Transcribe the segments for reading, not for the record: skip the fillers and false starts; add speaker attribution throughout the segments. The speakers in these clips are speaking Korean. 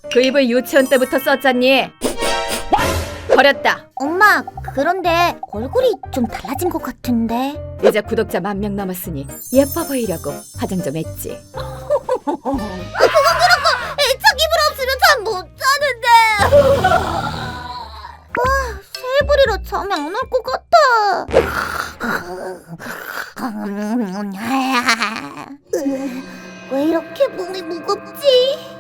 Speaker 1: 그 입을 유치원 때부터 썼잖니? 버렸다.
Speaker 2: 엄마, 그런데 얼굴이 좀 달라진 것 같은데.
Speaker 1: 이제 구독자 10,000명 넘었으니 예뻐 보이려고 화장 좀 했지.
Speaker 2: 그건 그렇고 애착 이불 없으면 잠 못 자는데. 새해부리라 잠이 안 올 것 같아. 왜 이렇게 몸이 무겁지?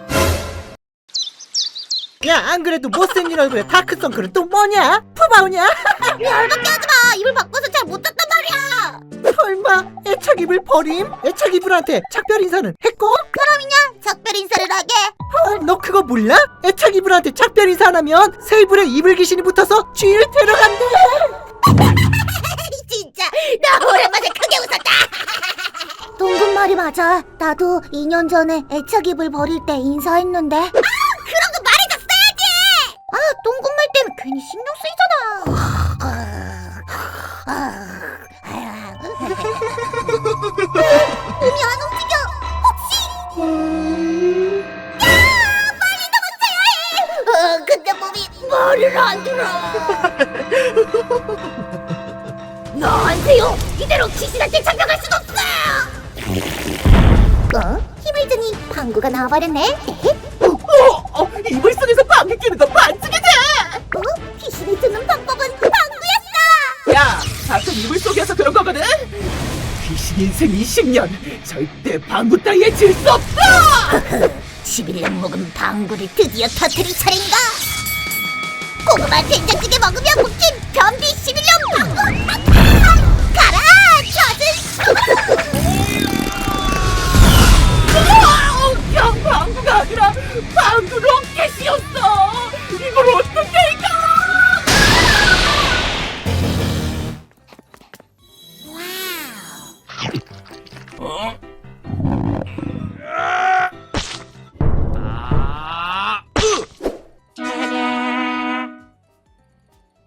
Speaker 3: 야, 안 그래도 못생긴 얼굴에 다크서클은 또 뭐냐? 푸바오냐?
Speaker 2: 열받게 하지마. 이불 바꿔서 잘 못 잤단 말이야.
Speaker 3: 설마 애착 이불 버림? 애착 이불한테 작별 인사는 했고?
Speaker 2: 그럼이냐 작별 인사를 하게.
Speaker 3: 너 그거 몰라? 애착 이불한테 작별 인사 안 하면 새 이불에 이불 귀신이 붙어서 쥐를 데려간대.
Speaker 2: 진짜 나 오랜만에 크게 웃었다. 동근 말이 맞아. 나도 2년 전에 애착 이불 버릴 때 인사했는데. 그런 거 말해줬어야지. 동근 말 때문에 괜히 신경 쓰이잖아. 몸이 안 움직여. 혹시? 야, 빨리 도망쳐야 해. 근데 몸이 말을 안 들어. 나한테요. 이대로 귀신한테 잡혀갈 순 없어. 힘을 주니 방구가 나와버렸네.
Speaker 3: 이불 속에서 방귀 끼는 거 반칙이지?
Speaker 2: 귀신이 드는 방법은 방구였어.
Speaker 3: 야, 가끔 이불 속에서 그런 거거든? 귀신 인생 20년 절대 방구 따위에 질 수 없어!
Speaker 2: 11년 먹은 방구를 드디어 터뜨릴 차례인가? 고구마 된장찌개 먹으면 묵힌 변비 11년 방구. 가라 젖은.
Speaker 3: 그냥 방구가 아니라 방구 로켓이었어! 이걸 어떻게 이겨!